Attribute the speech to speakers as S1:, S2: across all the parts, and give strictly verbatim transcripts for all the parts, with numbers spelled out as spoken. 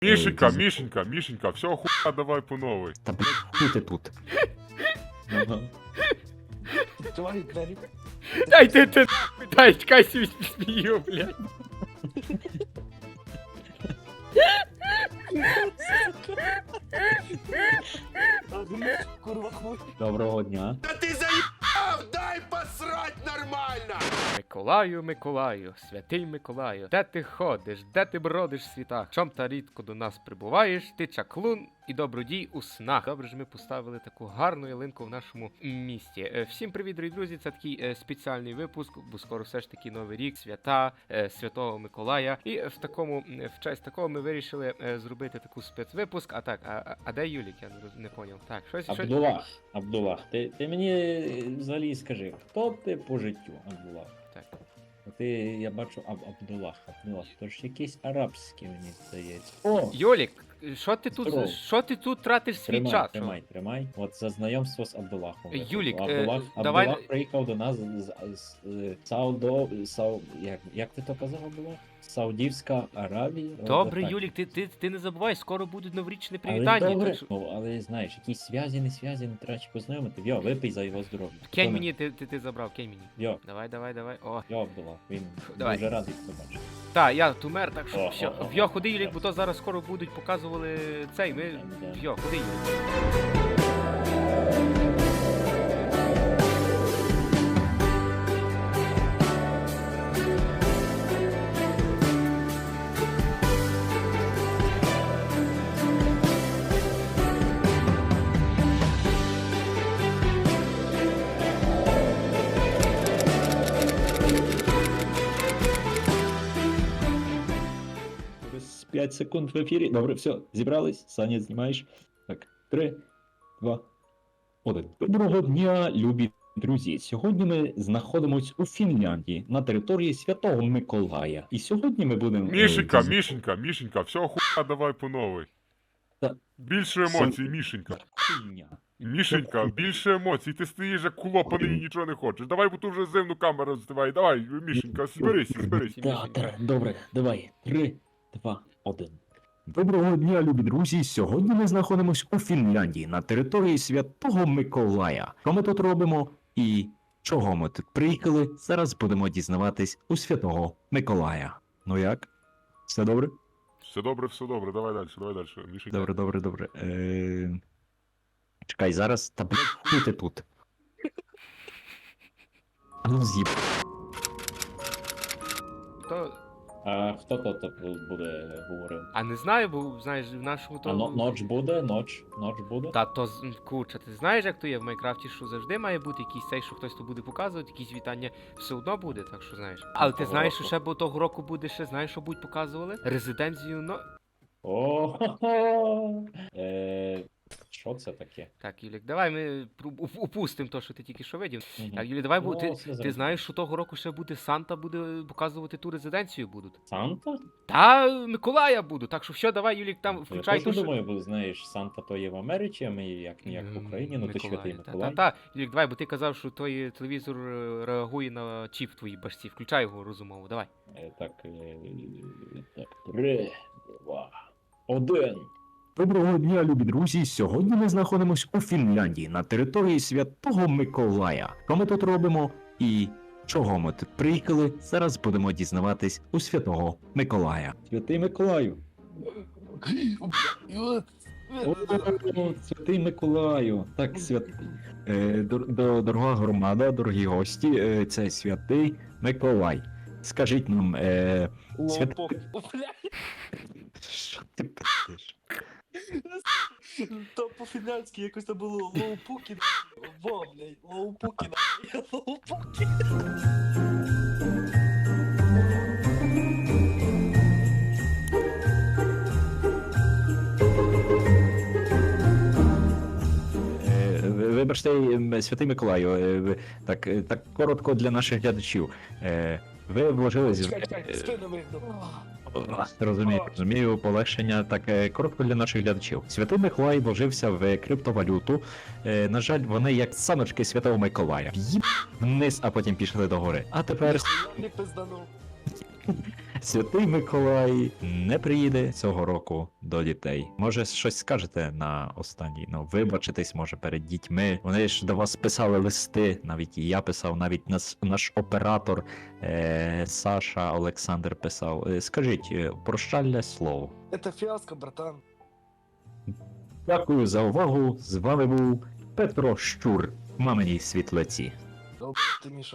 S1: Мішенька, Мішенька, Мішенька, все, хуя, давай по новой.
S2: Та блядь, хуй ти тут.
S3: Відкривай двері.
S4: Дай ти ти дай, чекай, сі смію, блядь.
S3: Курва хуй.
S2: Доброго дня.
S5: Да ты заебал! Дай посрать нормально!
S4: Миколаю, Миколаю, святий Миколаю, де ти ходиш, де ти бродиш в світах? Чом та рідко до нас прибуваєш? Ти чаклун і добродій у снах. Добре ж ми поставили таку гарну ялинку в нашому місті. Е, Всім привіт, дорогі друзі! Це такий е, спеціальний випуск, бо скоро все ж таки новий рік, свята, е, Святого Миколая. І в такому, е, в честь такого ми вирішили е, зробити таку спецвипуск. А так, а, а, а де Юлік? Я не, роз- не поняв. Так, щось, щось...
S2: Абдулах, Абдулах, ти, ти мені взагалі скажи, хто ти по життю, Абдулах?
S4: Так.
S2: Ти, я бачу, Аб Абдулах, Абдулах, то ж якийсь арабський, мені здається. О!
S4: Юлік, що ти тут,
S2: Здорово.
S4: що ти тут тратиш свій
S2: Тримай,
S4: час?
S2: тримай, тримай. От за знайомство з Абдулахом.
S4: Юлік, е,
S2: Абдулах,
S4: давай-
S2: Абдулах приїхав до нас з, з, з, з Саудо, Сау, як, як ти то казав, Абдулах? Саудівська Аравія? От
S4: Добре,
S2: так.
S4: Юлік, ти, ти, ти не забувай, скоро будуть новорічні
S2: Але
S4: привітання.
S2: добре,
S4: Так що...
S2: ну, але знаєш, якісь зв'язі, не зв'язі, не треба познайомити. Йо, випий за його здоров'я.
S4: Кинь
S2: Хто
S4: мені, ти, ти, ти забрав, кинь мені.
S2: Йо,
S4: Давай, давай, давай. О.
S2: йо, Абдулах, він
S4: Давай.
S2: дуже радий побачити.
S4: Так, я тумер, так що
S2: О,
S4: все.
S2: о, о,
S4: Вйо,
S2: о.
S4: ходи, Юлік, бо то зараз скоро будуть показували цей. Ми.
S2: Да.
S4: Вйо, ходи, Юлік.
S2: Через п'ять секунд в ефірі. Добре, все, зібрались. Саня, знімаєш. Так, три, два, один. Доброго дня, любі друзі. Сьогодні ми знаходимось у Фінляндії на території Святого Миколая. І сьогодні ми будемо. е,
S1: Мішенька,
S2: діз-
S1: Мішенька, Мішенька, все, хуя, давай по новой.
S2: Та-
S1: Більше емоцій, Мішенька.
S2: Хуйня.
S1: Мішенька, більше емоцій, ти стоїш як кулопаний і нічого не хочеш. Давай, бо тут вже зимну камеру здивай. Давай, Мішенька, зберись, зберись.
S2: Так, так, добре, давай. Три, два, один. Доброго дня, любі друзі. Сьогодні ми знаходимось у Фінляндії на території Святого Миколая. Що ми тут робимо і чого ми тут приїхали? Зараз будемо дізнаватись у Святого Миколая. Ну як? Все добре?
S1: Все добре, все добре, давай далі, давай далі, Мішенька.
S2: Добре, добре, добре. Е... Чекай, зараз. Та блядь, хуй ти тут. А ну з'їб.
S4: То...
S2: А хто то буде говорив?
S4: А не знаю, бо знаєш, в нашому
S2: А
S4: то.
S2: но, ноч буде? Ноч? Ноч буде?
S4: Та то з- курча, ти знаєш, як то є в Майнкрафті, що завжди має бути якийсь цей, що хтось то буде показувати, якісь вітання все одно буде, так що знаєш. Але ти
S2: Того
S4: знаєш, що
S2: року.
S4: ще бо того року буде ще, знаєш, що будуть показували? Резиденцію, ну.
S2: О, е, що це таке?
S4: Так, Юлік, давай ми пру- уп- упустимо то, що ти тільки що видів.
S2: Мгм.
S4: Так, Юлі, давай, бо
S2: Ну,
S4: ти,
S2: все
S4: ти
S2: зрозуміло.
S4: знаєш, що того року ще буде Санта буде показувати ту резиденцію будуть.
S2: Санта?
S4: Та Миколая буду, так що все, давай, Юлік, там
S2: Я
S4: включай
S2: теж
S4: ту, що-
S2: думаю, бо знаєш, Санта то є в Америці, а ми як ніяк в Україні, ну то
S4: Миколая,
S2: святий
S4: та-
S2: Миколай.
S4: Та, та, Юлік, давай, бо ти казав, що той телевізор е, реагує на чіп в твоїй башці. Включай його розумово, давай.
S2: Е, Так, е, так, три, два, один. Доброго дня, любі друзі. Сьогодні ми знаходимось у Фінляндії на території Святого Миколая. Що ми тут робимо і чого ми тут приїхали? Зараз будемо дізнаватись у Святого Миколая. Святий Миколаю. О, Святий Миколаю. Так, свят... е, дор- до- дорога громада, дорогі гості, е, це Святий Миколай. Скажіть нам, е... Свят...
S3: Лопок. Бля,
S2: що ти пишеш?
S3: то по-фінляндськи якось там було лоупуки. Во, блядь, лоупуки. Лоупуки.
S2: Е, ви- Вибачте, м, Святий Миколаю, е, ви- так, е, так коротко для наших глядачів. Е, Ви вложились...
S3: Чекай, чекай, спину вигнув.
S2: Розумію, розумію, полегшення. Так, е, коротко для наших глядачів. Святий Миколай вложився в криптовалюту. Е, На жаль, вони як саночки Святого Миколая. В'їб вниз, а потім пішли догори. А тепер...
S3: Не пизданув.
S2: Святий Миколай не приїде цього року до дітей. Може, щось скажете на останній, ну, вибачитись, може, перед дітьми. Вони ж до вас писали листи, навіть і я писав, навіть нас, наш оператор е- Саша Олександр писав. Е, Скажіть, е, прощальне слово.
S3: Это фиаско, братан.
S2: Дякую за увагу. З вами був Петро Щур, маминій світлиці.
S3: Долб ты, Миша.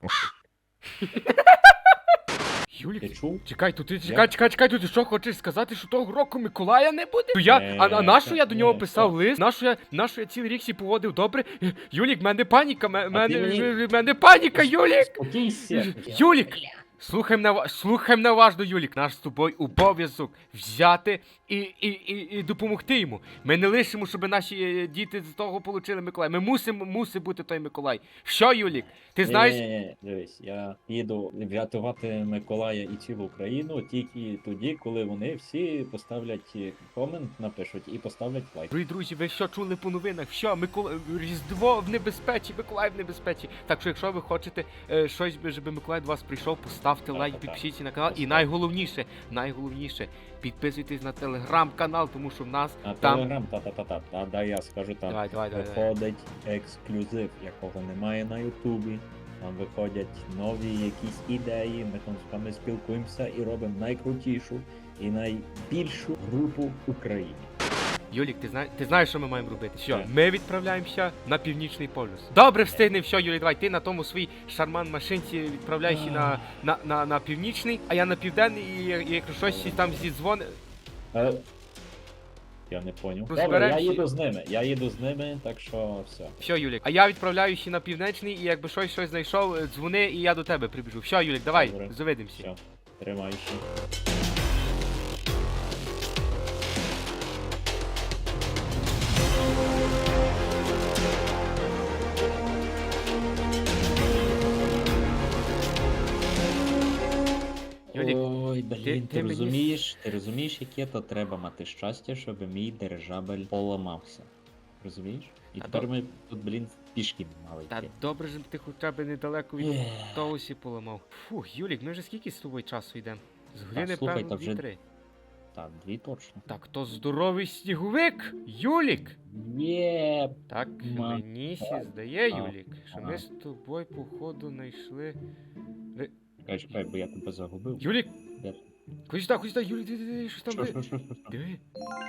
S4: Юлік,
S2: Ти чув?
S4: чекай, тут ти чекай, чекай, чекай, тут ти що хочеш сказати, що того року Миколая не буде? То я,
S2: Е,
S4: а, а нащо я до
S2: ні,
S4: нього
S2: що?
S4: писав лист? Нащо я, нащо я цілий рік сі поводив добре? Е, Юлік, в мене паніка, ме- мене,
S2: мені-
S4: в мене паніка, Юлік!
S2: Спокійся.
S4: Юлік! Слухай мене, ва- слухай мене уважно, Юлік. Наш з тобою обов'язок взяти і, і, і, і допомогти йому. Ми не лишимо, щоб наші е, діти з того отримали Миколая. Ми мусимо, мусить бути той Миколай. Що, Юлік? Ти знаєш?
S6: Ні, ні, ні, дивись, я їду врятувати Миколая і цілу Україну тільки тоді, коли вони всі поставлять комент, напишуть і поставлять лайк.
S4: Дорогі друзі, ви що чули по новинах? Що, Микола... Різдво в небезпеці, Миколай в небезпеці. Так що, якщо ви хочете е, щось, би, щоб Миколай до вас прийшов, поставте
S6: Так,
S4: лайк,
S6: так, так.
S4: підпишіться на канал. І
S6: Поставте.
S4: найголовніше, найголовніше, підписуйтесь на телеграм-канал, тому що в нас
S6: А
S4: там...
S6: телеграм, та-та-та-та, та, да, я скажу там.
S4: Давай, давай, давай. давай.
S6: Виходить ексклюзив, якого немає на Ютубі. Там виходять нові якісь ідеї, ми там з вами спілкуємося і робимо найкрутішу і найбільшу групу в Україні.
S4: Юлік, ти знаєш, ти знаєш, що ми маємо робити? Що?
S6: Так.
S4: Ми відправляємося на північний полюс. Добре, встигнемо, що, Юлік, давай, ти на тому своїй шарман машинці відправляйся на, на, на, на північний, а я на південний, і, і якщо щось там зідзвони...
S6: Е, я не поняв. Добре, я
S4: Розберемося.
S6: їду з ними, я їду з ними, так що все.
S4: Все, Юлік, а я відправляюся на північний, і якби щось щось знайшов, е, дзвони, і я до тебе прибіжу. Все, Юлік, давай,
S6: Добре.
S4: завидимося.
S6: Все, тримайся.
S4: Юлік,
S6: Ой, блін,
S4: ти-
S6: ти,
S4: ти мені-
S6: розумієш, ти розумієш, яке то треба мати щастя, щоб мій дирижабель поламався. Розумієш? І
S4: Та
S6: тепер
S4: доб-
S6: ми тут, блін, пішки мали
S4: Та
S6: йти.
S4: добре ж ти хоча б недалеко від
S6: Ех.
S4: того сі поламав. Фух, Юлік, ми вже скільки з тобою часу йдемо? З години,
S6: слухай,
S4: певно,
S6: та вже-
S4: дві-три.
S6: Так, дві точно.
S4: Так, то здоровий сніговик, Юлік!
S6: Є.
S4: Так,
S6: Ма.
S4: мені сі здає,
S6: А.
S4: Юлік, що ми
S6: Ага.
S4: з тобою, походу, знайшли.
S6: Чекай, чекай, бо я тебе загубив.
S4: Юлік!
S6: Де?
S4: Ходи сюди, ходи сюди, Юлік, диви, диви, щось там
S6: Що,
S4: ви.
S6: що, що, що, що?
S4: Диви.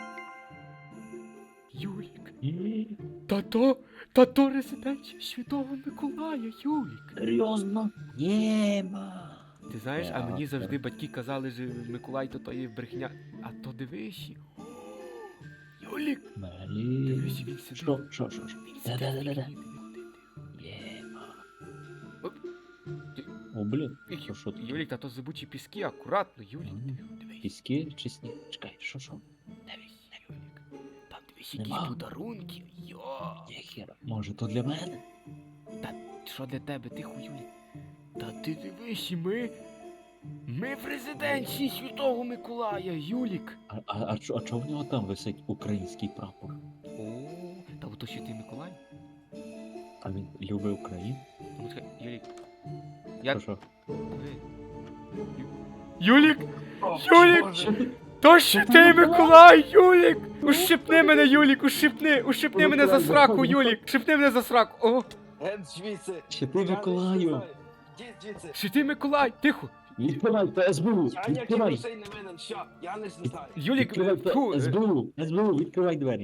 S4: Юлік.
S6: Є.
S4: Та то, та то резиденція Святого Миколая, Юлік.
S6: Серйозно? Єма.
S4: Ти знаєш, а мені
S6: Так,
S4: завжди батьки казали, що Миколай то то є брехня. А то дивись. Юлік,
S6: Блін.
S4: дивись, він сидить.
S6: Що, що, що, що?
S4: Він
S6: Да, да,
S4: сидить.
S6: да, да, да.
S4: Диви, диви, диви.
S6: Єма.
S4: Оп.
S6: О, блін.
S4: Ю-
S6: Що, що тут?
S4: Юлік, та то зибучі піски, акуратно, Юлік.
S6: М.
S4: Диви, дивись.
S6: Піски чи сніг? Чекай, що, що?
S4: Дивись, Юлік. Там дивись якісь
S6: Нема.
S4: подарунки. Йо.
S6: Ніхера. Може, то для мене?
S4: Що для тебе, тихо, Юлік? Та ти дивись, і ми. Ми в резиденції Святого Миколая, Юлік.
S6: А, а, а, чо- а чого в нього там висить український прапор?
S4: О, та ото Святий Миколай.
S6: А він любить Україну?
S4: Ну, чекай, Юлік. Я...
S6: Що, що?
S4: Диви. Ю- Юлік!
S3: О,
S4: Юлік!
S3: Боже.
S4: То Святий Миколай, Юлік! Ущипни мене, Юлік, ущипни! Ущипни мене за сраку, Юлік! Ущипни мене за сраку! О!
S3: Ген звідси.
S6: Ще ти
S3: Я не
S6: Миколаю!
S3: знаю. Дід звідси.
S4: Святий Миколай! Тихо!
S6: Відкривай, то ес бе у!
S3: Я ніяких
S6: Відкривай!
S3: грошей не винен, все, я не знаю.
S4: Юлік,
S6: Відкривай, то
S4: фу,
S6: ес бе у! ес бе у, відкривай двері!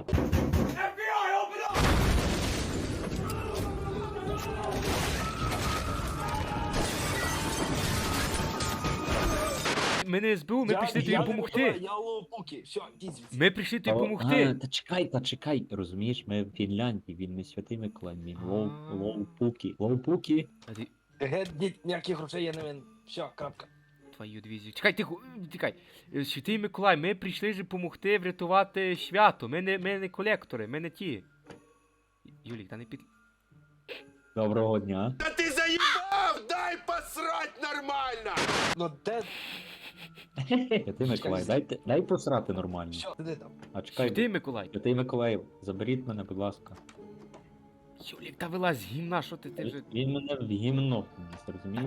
S4: ми не ес бе у, ми
S3: Я-
S4: прийшли тобі
S3: я не
S4: допомогти.
S3: Миколай, Я лоупуки, все, дід звідси.
S4: Ми прийшли тобі
S6: А,
S4: допомогти.
S6: та чекай, та чекай, розумієш, ми в Фінляндії, він не святий Миколай, він лоу,
S4: А.
S6: лоу-пукі. Лоу-пукі?
S4: А ти-
S3: Ген, дід, ніяких грошей я не винен. Все, крапка.
S4: Твою дивізію. Чекай, тихо, тікай. Е, Святий Миколай, ми прийшли ж допомогти врятувати свято. Ми не, ми не колектори, ми не ті. Юлік, та не під.
S6: Доброго дня.
S5: Да ты заебал! Дай посрать нормально!
S3: Ну де,
S6: Святий Миколай, дайте, дай посрати нормально.
S3: все, сиди там.
S6: А чекай,
S4: Святий Миколай.
S6: Святий Миколай, заберіть мене, будь ласка.
S4: Юлік, та вилазь з гімна, що ти, ти вже.
S6: Він мене в гімно вніс, розумієш?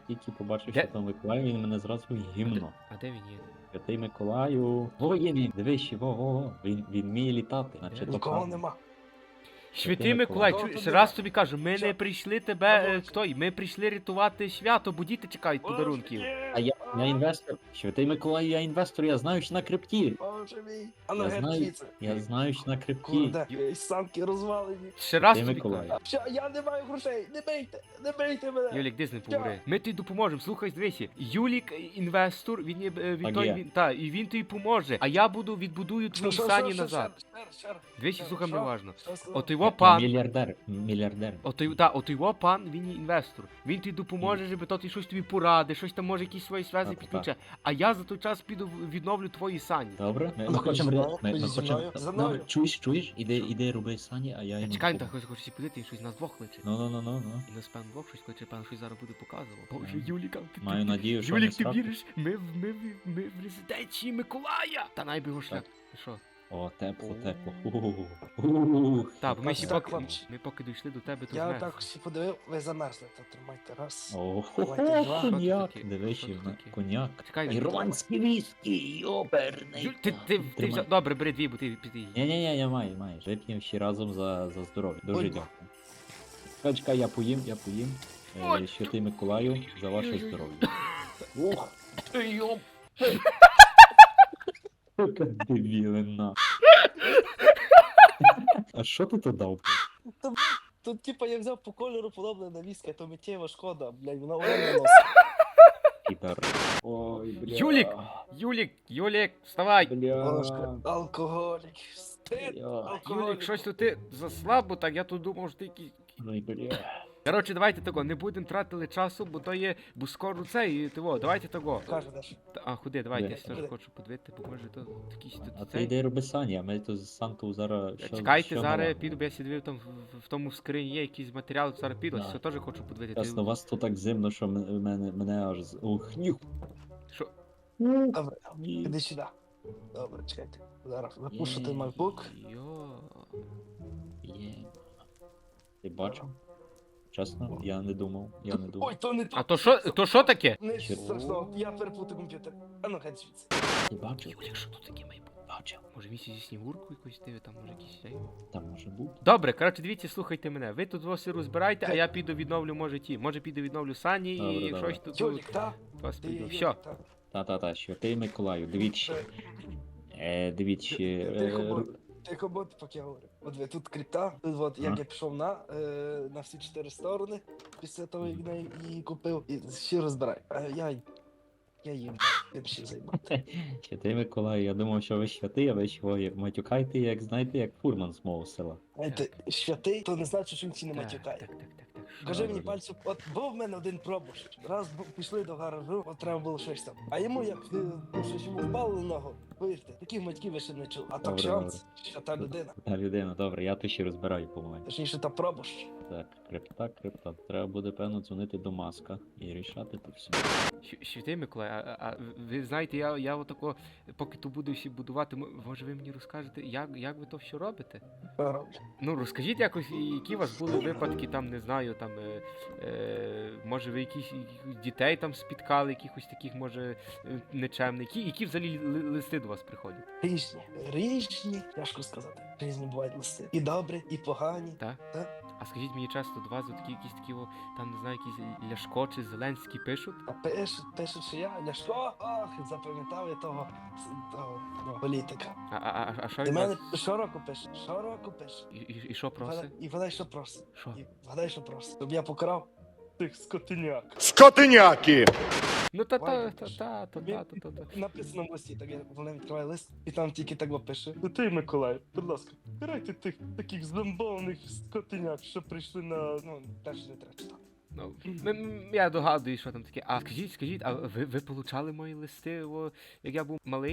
S6: тільки побачив
S4: Де?
S6: Святого Миколая, він мене зразу гімно.
S4: А де він є?
S6: Святий Миколаю. Во є він, дивись, ще, во, во, во. Він, він вміє літати, наче то
S3: Нікого
S6: правда.
S3: нема.
S4: Святий Миколай,
S3: Миколай.
S4: чу- ще раз тобі кажу, ми
S3: Що?
S4: не прийшли тебе, е,
S3: Молодець.
S4: хто? Ми прийшли рятувати свято, бо діти чекають подарунків.
S6: А я, я інвестор. Святий Миколай, я інвестор, я знаю, що на крипті.
S3: Боже мій. А ну
S6: Я
S3: геть
S6: знаю,
S3: звідси.
S6: я знаю, що на крипті.
S3: Курде, і санки розвалені.
S4: Ще раз
S6: Святий
S4: тобі
S6: Миколай.
S4: кажу.
S3: А що, я не маю грошей, не бийте, не бийте мене.
S4: Юлік, дизни поговори. Ми тобі допоможемо, слухай, дивися. Юлік е, інвестор, він є е, він
S6: Так
S4: той,
S6: є.
S4: він, та, і він тобі поможе. А я буду відбудую твої
S3: Що, що,
S4: сані
S3: що,
S4: назад.
S3: що, ще раз, ще раз.
S4: Дивися,
S3: Що,
S4: слухай
S3: що?
S4: мене уважно.
S3: Що сказав?
S4: От його
S6: Я
S4: пан,
S6: мільярдер, мільярдер.
S4: от той, та, от його пан, він є інвестор. Він тобі допоможе, щоб то ти щось тобі порадить, щось там може якісь свої зв'язки
S6: Так, так.
S4: підключає. А я за той час піду в- відновлю твої сані.
S6: Добре? Ми,
S3: Ну,
S6: ми
S3: хоч
S6: хочемо...
S3: зі
S6: ре-
S3: мною,
S6: Ми,
S3: хоч
S6: ми
S3: зі
S6: хочемо...
S3: мною, за
S6: Ну,
S3: мною.
S6: чуєш, чуєш? Іди, іди роби сані, а я йому...
S4: Чекай,
S6: пом-
S4: та хоч хочеш подивити, він щось нас двох кличе.
S6: Ну, ну, ну, ну, ну.
S4: І нас пан двох щось кличе, пан щось зараз буде показував. Боже,
S6: Мгм.
S4: Юліка, ти,
S6: Маю
S4: ти,
S6: надію, що не
S4: Юлік, ти
S6: сраку.
S4: віриш? Ми, в- ми, в- ми в резиденції Миколая! Та найби його шлях. Ти що?
S6: О, тепло,
S3: О.
S6: тепло. Ух.
S4: Так, бо ми
S3: Так,
S4: ще
S3: так,
S4: поки,
S3: хлопці.
S4: ми поки дійшли до тебе, то
S3: Я
S4: змерз.
S3: так всі подивив, ви замерзли, то тримайте раз.
S6: О,
S3: Давайте два.
S6: коньяк.
S4: Що тут таке?
S6: Дивись,
S4: Що
S6: ще
S4: тут
S6: в на-
S4: таке?
S6: коньяк.
S4: Чекай,
S6: Ірландський віскі, йоперний.
S4: Юль, ти, ти, ти
S6: Тримай.
S4: взяв... Добре, бери дві, бо ти піти.
S6: Ні-ні-ні, я маю, маєш. Вип'ємо всі разом за, за здоров'я. Дуже
S3: Ой.
S6: дякую. Чекай, чекай, я поїм, я поїм. Е,
S4: Ой.
S6: Святий Миколаю, за ваше
S4: Ой-ой-ой.
S6: здоров'я. Ох, ти йоп. Яка дебілина. А що ти туди дав?
S3: Тут типа я взяв по кольору подобне на віскі, а то миттєва шкода, блядь, вона оренда носить.
S6: Підар. Ой, бля.
S4: Юлік! Юлік, Юлік, вставай!
S3: Божка,
S6: Бля.
S3: алкоголік, стид,
S6: Бля.
S3: алкоголік.
S4: Юлік, щось тут ти заслабо, так я тут думав, що ти якийсь...
S6: Ой, бля.
S4: Коротше, давайте того, не будемо тратили часу, бо то є, бо скоро це і того, давайте того.
S3: Каже Даш.
S4: Та- А, ходи, давайте, я
S6: Де?
S4: теж
S3: Де?
S4: хочу подивити, бо може то якийсь
S6: А
S4: тут
S6: ти
S4: цей.
S6: йди роби сані, а ми тут з Санту зараз... що-
S4: Чекайте,
S6: що
S4: зараз я
S6: налагодимо?
S4: піду, бо я сидів там в, в тому скрині є якісь матеріали, зараз піду,
S6: Да.
S4: все теж хочу подивити.
S6: Ясно, у вас тут так зимно, що м- мене, мене аж... з- Ух, нюх.
S4: Що?
S3: Добре,
S6: Ні.
S3: іди сюди. Добре, чекайте. Зараз запушу той MacBook.
S4: Йо.
S6: Є. Ти бачив? Чесно, я не думав, я не думав.
S3: Ой, то не то.
S4: А то що, то що таке?
S3: Не
S6: Що?
S3: страшно, я переплутав комп'ютер. А ну, геть звідси.
S6: Ти бачив?
S4: Юлік, що тут таке має бути?
S6: Бачив.
S4: Може місці зі снігурку якусь диви, там може якісь цей.
S6: Там може бути.
S4: Добре, коротше, дивіться, слухайте мене. Ви тут вас розбирайте, а я піду відновлю, може ті. Може піду відновлю сані
S6: Добре,
S4: і
S6: добре.
S4: щось тут
S3: Юлік, та?
S4: вас
S3: Ти,
S4: піду.
S3: Юлік,
S4: Все.
S3: та.
S6: Та-та-та, що ти Миколаю, дивіться.
S3: Е,
S6: Е, дивіться.
S3: Тихо,
S6: Е,
S3: будь, тихо, будь, поки я говорю. От ви тут крипта, тут от як
S6: Ага.
S3: я пішов на, е, на всі чотири сторони, після того, як я її купив, і всі розбирай. А я, я їм тим ще займати.
S6: Що ти Миколаю, я думав, що ви святий, а ви чого матюкаєте, як знаєте, як фурман з мого села.
S3: Знаєте, святий, то не значить, що він ці не
S4: Так,
S3: матюкає.
S4: так, так, так, так. Що?
S3: Кажи мені
S6: Добре.
S3: пальцем, от був в мене один пробуш. Раз бу- пішли до гаражу, от треба було щось там. А йому як е, ну, щось йому впало на ногу. Повірте, таких матьків ви ще не чули. А то
S6: Добре,
S3: ксьонц, що та людина.
S6: Та людина, добре, я то ще розбираю, по-моєму.
S3: Точніше, та пробуш.
S6: Так, крипта, крипта. Треба буде, певно, дзвонити до маска і рішати то все.
S4: Щ- Святий Миколай, а, а ви знаєте, я, я отако, поки то буду всі будувати, м- може ви мені розкажете, як, як ви то все робите?
S3: Роблю.
S4: Ну, розкажіть якось, і які у вас були випадки, там, не знаю, там, е, е, може ви якісь якихось дітей там спіткали, якихось таких, може, е, нечемних, які, які взагалі ли- листи до вас приходять?
S3: Різні. Різні, тяжко сказати. Різні бувають листи. І добрі, і погані.
S4: Так?
S3: Так.
S4: А скажіть мені часто до вас от такі якісь такі, о, там, не знаю, якісь Ляшко чи Зеленський пишуть?
S3: А пишуть, пишуть, що я Ляшко, ох, запам'ятав я того, с- того ну, політика.
S4: А, а, а, а що
S3: І
S4: він
S3: мене
S4: вас...
S3: щороку пише, щороку пише.
S4: І, і, і що просить?
S3: Вгадай- І вгадай, що просить.
S4: Що?
S3: І вгадай, що просить. Щоб я покарав тих скотиняк.
S5: Скотиняки!
S4: Ну та та
S3: Ваня,
S4: та
S3: пише.
S4: та та
S3: Тобі
S4: та та та та.
S3: Написано в листі, так я вона відкриває лист, і там тільки так от пише. Ну ти, Миколай, будь ласка, карайте тих таких зломбованих скотиняк, що прийшли на, ну, теж не треба читати.
S4: Ну, м- м- я догадуюсь, що там таке. А скажіть, скажіть, а ви, ви получали мої листи, о, як я був малий?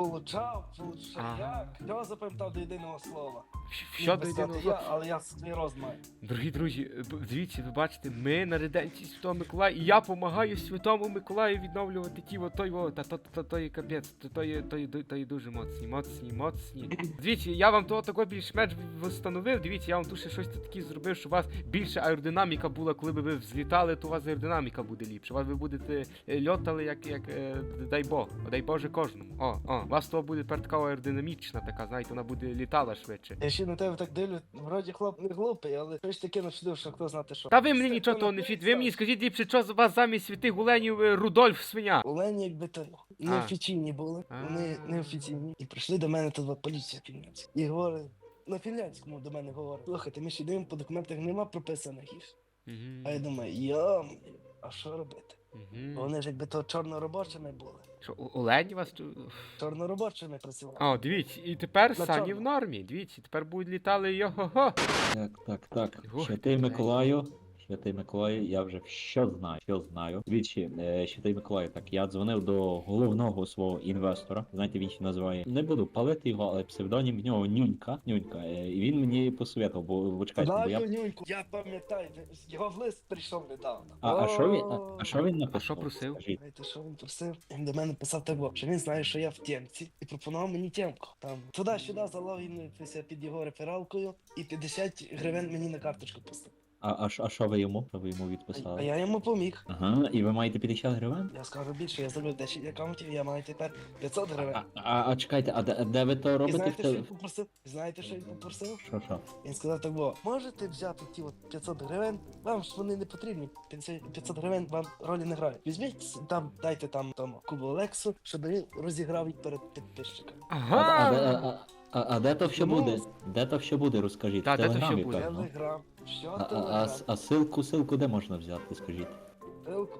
S3: Получав, получав,
S4: Ага.
S3: як? Я запам'ятав до єдиного слова.
S4: Щ- Що
S3: Міг
S4: до
S3: би
S4: єдиного
S3: сказати
S4: слова?
S3: я, але я свій рост маю.
S4: Дорогі друзі, б- дивіться, ви бачите, ми на реденції Святого Миколая, і я допомагаю Святому Миколаю відновлювати ті, от той, о, та то, то, то є капець, то, то, є, то, є, то є дуже моцні, моцні, моцні. Дивіться, я вам того такого більш-менш встановив, дивіться, я вам тут ще щось таке зробив, щоб у вас більше аеродинаміка була, коли би ви взлітали, то у вас аеродинаміка буде ліпше. У вас ви будете е, льотали, як, як е, дай Бог, дай Боже кожному. О, о, у вас того буде тепер така аеродинамічна така, знаєте, вона буде літала швидше.
S3: Я ще на тебе так дивлю, вроді хлоп не глупий, але щось таке навчив, що хто знати що.
S4: Та ви мені
S3: Все,
S4: нічого
S3: хто
S4: того не
S3: напише,
S4: фіт. Ви мені скажіть ліпше, що з вас замість святих гуленів е, Рудольф свиня.
S3: Олені, якби то неофіційні були, вони
S4: А.
S3: неофіційні. І прийшли до мене тут поліція фінляндська. І говорить, на фінляндському до мене говорить. Слухайте, ми ще дивимо, по документах нема прописаних їх.
S4: Мгм.
S3: А я думаю, йом, а що робити?
S4: Мгм.
S3: Вони ж якби то чорноробочими були.
S4: Що, у- Олені вас чу-
S3: Чорноробочими працювали.
S4: О, дивіться, і тепер
S3: На
S4: сані
S3: чорно.
S4: в нормі. Дивіться, тепер будуть літали його-го.
S6: Так, так, так.
S4: Ух,
S6: Святий
S4: ти,
S6: Миколаю. Святий Миколаю, я вже що знаю, що знаю. Двічі, е, Святий Миколаю, так, я дзвонив до головного свого інвестора. Знаєте, він ще називає. Не буду палити його, але псевдонім в нього Нюнька. Нюнька. Е, і він мені посоветував, бо, бо чекайте, бо я.
S3: Знаю, Нюньку, я пам'ятаю, його в лист прийшов недавно.
S6: А, а що він? А,
S3: О,
S6: а що він написав?
S4: що просив?
S6: Скажіть.
S3: Знаєте, що він просив? Він до мене писав так, що він знає, що я в темці, і пропонував мені темку. Там туди-сюди залогінуйтеся під його рефералкою, і п'ятдесят гривень мені на карточку пустив.
S6: А, а, що- а що ви йому? Що ви йому
S3: А,
S6: відписали?
S3: а я йому поміг.
S6: Ага, і ви маєте п'ятдесят гривень?
S3: Я скажу більше, я зробив десять аккаунтів, я маю тепер п'ятсот гривень.
S6: А, а, а чекайте, а де, а де ви то
S3: І
S6: робите?
S3: знаєте,
S6: в
S3: що
S6: те-
S3: він попросив? Знаєте, що він попросив?
S6: Що, що?
S3: Він сказав так, бо можете взяти ті от п'ятсот гривень, вам ж вони не потрібні. п'ятсот гривень вам ролі не грають. Візьміть там, дайте там тому Кубу Олексу, щоб він розіграв їх перед підписчиками.
S6: А, а, де-
S4: Ага.
S6: а, а, а де то все
S3: Ну,
S6: буде? Де то все буде, розкажіть.
S4: Та,
S6: В
S4: де то все
S6: Телеграмі,
S4: буде?
S6: певно.
S3: Телеграм. Що
S6: А, а, а,
S3: телеграм?
S6: с- а силку, силку де можна взяти, скажіть?
S3: Ссылку.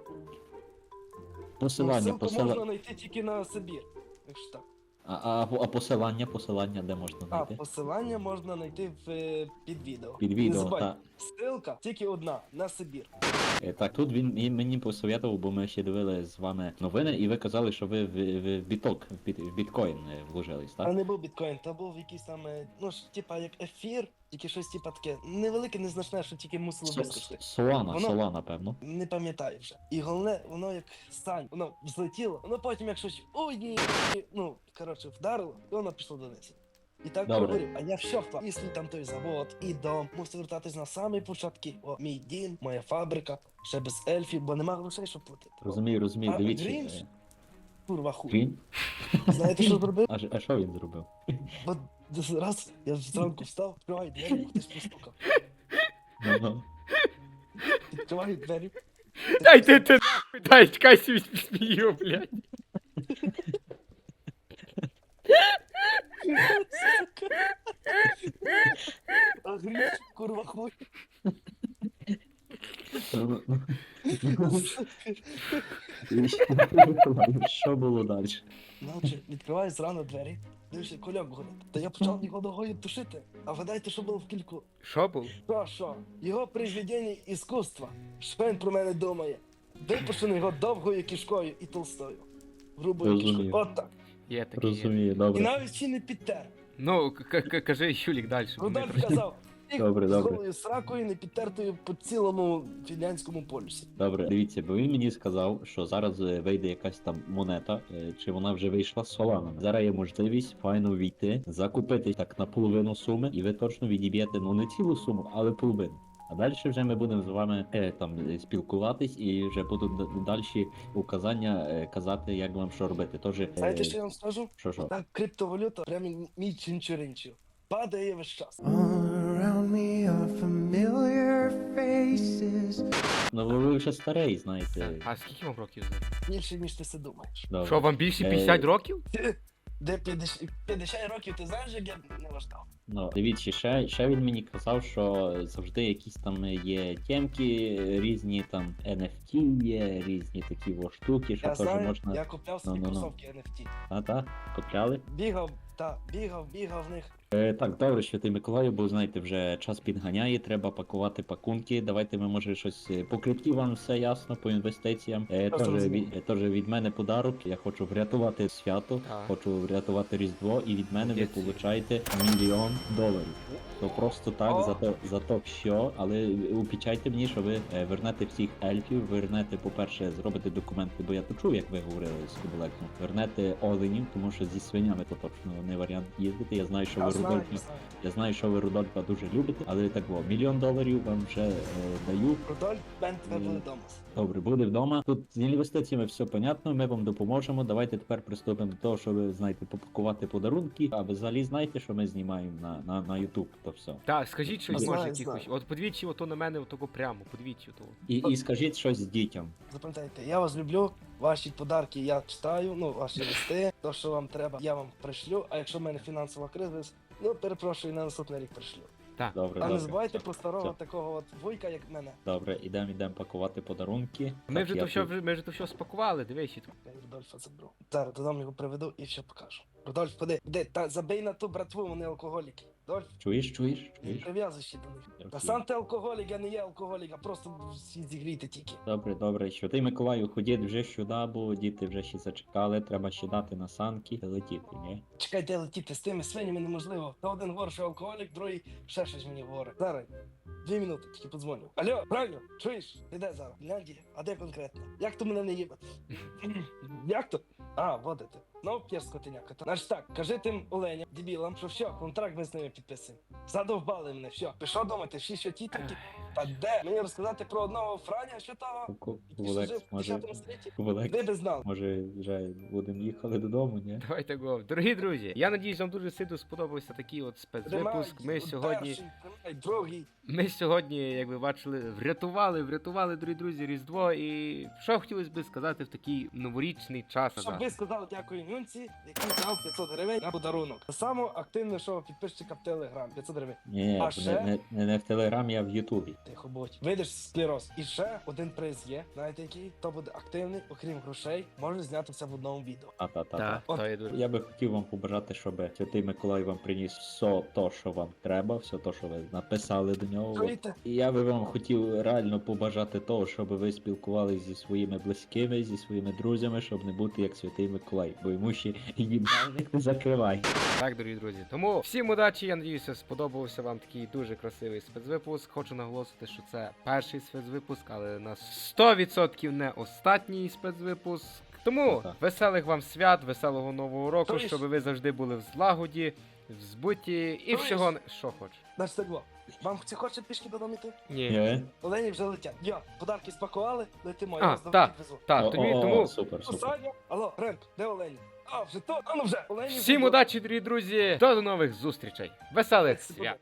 S6: Посилання,
S3: Ну, ссылку можна
S6: посилання.
S3: знайти тільки на Сибір. Якщо так.
S6: А, а, а посилання, посилання де можна
S3: А
S6: знайти?
S3: посилання можна знайти в, е, під відео.
S6: Під
S3: Не
S6: відео,
S3: забувайте,
S6: так.
S3: ссылка тільки одна на Сибір.
S6: Е, Так, тут він, він мені посоветував, бо ми ще дивили з вами новини, і ви казали, що ви в, в, в біток, в, біт, в біткоін е, вложились,
S3: А
S6: так?
S3: не був біткоін, то був якийсь там, е, ну ж, типа як ефір, тільки щось типа таке. Невелике, незначне, що тільки мусило
S6: С-
S3: вискочити.
S6: с- Солана,
S3: Воно-
S6: Солана, певно.
S3: Не пам'ятаю вже. І головне, воно як стань, воно взлетіло, воно потім як щось ой ні, ну коротше, вдарило, і воно пішло донизу. І так
S6: Добре.
S3: говорив, а я все вклав. І свій там той завод, і дом. Мусив вертатись на самі початки. О, мій дім, моя фабрика, ще без ельфів, бо нема грошей, щоб платити. О,
S6: Розумію, розумію,
S3: А
S6: дивіться.
S3: Грінч?
S6: е,
S3: Курва хуй.
S6: Він?
S3: Знаєте, що зробив?
S6: А, ж- а що він зробив?
S3: От раз я зранку встав, відкриваю двері, хтось постукав.
S6: Ну, ну.
S3: Відкриваю двері.
S4: Дай ти ти нахуй, дай, чекай сі смію, блядь.
S3: А Грінч, курва хуй.
S6: Ну, ну. І що- Що було далі?
S3: Навчи, відкриваю зрано двері. Дивишся, кольок горить. Та я почав його ногою тушити. А вгадайте, що було в кільку.
S4: Що був?
S3: Що, що? Його произведення іскусства. Що він про мене думає? Випущено його довгою кишкою і толстою. Грубою
S6: Розумію.
S3: кишкою. От так.
S4: Є такий. Є.
S6: Розумію,
S3: І
S6: добре.
S3: навіть ще не підтер.
S4: Ну, к- к- кажи, Юлік, далі.
S3: Рудольф казав, «Тих
S6: Добре,
S3: з
S6: добре.
S3: голою сракою не підтертою по цілому фінляндському полюсі.
S6: Добре, дивіться, бо він мені сказав, що зараз е, вийде якась там монета, е, чи вона вже вийшла з Соланом. Зараз є можливість файно війти, закупити так на половину суми, і ви точно відіб'єте ну не цілу суму, але половину. А далі вже ми будемо з вами е, там е, спілкуватись і вже будуть д- далі указання е, казати, як вам що робити. Тож, е,
S3: Знаєте, що я вам скажу?
S6: що що?
S3: Так, криптовалюта прямо мій чинчуринчу. Падає весь час.
S5: Around me are familiar faces.
S6: Ну ви вже старий, знаєте.
S4: А скільки вам років зараз?
S3: Більше, ніж ти си думаєш.
S6: Добре.
S4: Що, вам більше
S6: Е,
S4: п'ятдесят років?
S3: Де п'ятдесят п'ятдесят років, ти знаєш, як я не важдав?
S6: Ну, дивіться, ще, ще він мені казав, що завжди якісь там є темки, різні там ен еф ті є, різні такі во штуки, що
S3: Я
S6: теж
S3: знаю,
S6: можна.
S3: я купляв собі
S6: Ну-ну-ну.
S3: кросовки ен еф ті.
S6: А, та, купляли?
S3: Бігав, та, бігав, бігав в них.
S6: Е, так, добре, Святий Миколаю, бо знаєте, вже час підганяє, треба пакувати пакунки. Давайте ми може щось е, по крипті, вам все ясно, по інвестиціям. Е,
S3: Просто
S6: теж,
S3: розумію.
S6: від, е, теж від мене подарок. Я хочу врятувати свято,
S4: Так.
S6: хочу врятувати Різдво, і від мене ви
S4: Молодець.
S6: получаєте мільйон доларів. То просто так,
S3: О!
S6: за то, за то що, але обіцяйте мені, що ви е, вернете всіх ельфів, вернете, по-перше, зробите документи, бо я то чув, як ви говорили з Кубелексом. Вернете оленів, тому що зі свинями то точно не варіант їздити. Я знаю, що
S3: Я
S6: ви
S3: знаю,
S6: Рудольфа.
S3: я знаю.
S6: Я знаю, що ви Рудольфа дуже любите, але так во, мільйон доларів вам вже е, даю.
S3: Рудольф, Бен тебе
S6: Ні.
S3: буде вдома.
S6: Добре, буде вдома. Тут з інвестиціями все понятно, ми вам допоможемо. Давайте тепер приступимо до того, що ви знаєте, попакувати подарунки. А ви взагалі знаєте, що ми знімаємо на, на, на YouTube, то все.
S4: Так, скажіть щось,
S3: Знаю,
S4: може,
S3: знаю.
S4: якихось. От подивіться ото на мене, отого прямо, подивіться ото.
S6: І, і скажіть щось дітям.
S3: Запам'ятайте, я вас люблю, ваші подарки я читаю, ну, ваші листи, то, що вам треба, я вам пришлю, а якщо в мене фінансова криза, ну, перепрошую, на наступний рік пришлю.
S4: Так.
S6: Добре,
S3: А
S6: добре.
S3: не забувайте
S6: все,
S3: про старого
S6: все.
S3: такого от вуйка, як мене.
S6: Добре, ідемо, ідемо пакувати подарунки.
S4: Ми
S6: Так,
S4: вже
S6: я
S4: то все,
S6: тут-
S4: вже- ми вже то все спакували, дивись. тут.
S3: Я Рудольфа заберу. Зараз додому його приведу і все покажу. Рудольф, ходи, де, та забий на ту братву, вони алкоголіки. Рудольф,
S6: Чуєш, чуєш,
S3: не
S6: чуєш?
S3: прив'язуй ще до них. Та
S6: Окей.
S3: сам ти алкоголік, я не є алкоголік, а просто всі зігрійте тільки.
S6: Добре, добре. Святий Миколаю, ходіть вже сюди, бо діти вже ще зачекали, треба ще дати на санки і летіти, ні?
S3: Чекайте, летіти з тими свинями неможливо. Та один говорить, що алкоголік, другий ще щось мені говорить. Зараз, дві минути, тільки подзвоню. Алло, правильно, чуєш? Ти де зараз? В Фінляндії? А де конкретно? Як то мене не їбати? Як то? А, водите. Ну, п'єш скотиняка. Значить так, кажи тим оленям, дебілам, що все, контракт ми з ними підписуємо. Задовбали мене, все. Пішов думати, всі що ті такі. Та де? Мені розказати про одного Франя, що того? який ще жив
S6: Кубелекс,
S3: в
S6: може,
S3: десятому столітті?
S6: Кубелекс,
S3: Ви би знали.
S6: може вже будемо їхали додому, ні?
S4: Давайте го. Дорогі друзі, я надіюсь, вам дуже сильно сподобався такий от спецвипуск. Ми
S3: Тримай,
S4: сьогодні.
S3: перший, тримай, другий.
S4: Ми сьогодні, як ви бачили, врятували, врятували, дорогі друзі, Різдво. І що хотілося би сказати в такий новорічний час.
S3: Щоб
S4: назад.
S3: ви сказали дякую Нюнці, який дав п'ятсот гривень на подарунок. Саме активнішого підписчика в Телеграм. п'ятсот гривень.
S6: Ні,
S3: А
S6: не,
S3: ще?
S6: не, не, не в Телеграмі, а в Ютубі.
S3: Тихо будь. Видиш склероз. І ще один приз є. Знаєте який? Хто буде активний, окрім грошей, може знятися в одному відео.
S6: А та та
S4: Так,
S6: та.
S4: то є дуже.
S6: Я би хотів вам побажати, щоб Святий Миколай вам приніс все то, що вам треба, все то, що ви написали до нього.
S3: Чуєте?
S6: І я би вам хотів реально побажати того, щоб ви спілкувалися зі своїми близькими, зі своїми друзями, щоб не бути як Святий Миколай, бо йому ще їбальник не закривай.
S4: Так, дорогі друзі. Тому всім удачі, я надіюся, сподобався вам такий дуже красивий спецвипуск. Хочу наголосити, що це перший спецвипуск, але на сто відсотків не останній спецвипуск. Тому
S6: Ага.
S4: веселих вам свят, веселого нового року,
S3: Чуєш?
S4: щоб ви завжди були в злагоді, в збуті і
S3: Чуєш?
S4: всього. Що хочеш.
S3: Значить так було. Вам ці хоче пішки додому йти?
S4: Ні.
S6: Ні?
S3: Олені вже летять. Йо, подарки спакували, летимо, я
S4: А,
S3: вас
S4: та.
S3: додому підвезу.
S4: Так,
S6: О,
S4: тобі,
S6: о, о,
S4: тому
S6: супер, супер.
S3: Посадня? Алло, Ренк, де Олені? А, вже то? А ну вже, Олені вже
S4: всім
S3: тут.
S4: удачі, дорогі друзі. До нових зустрічей. Веселих
S3: Це
S4: свят.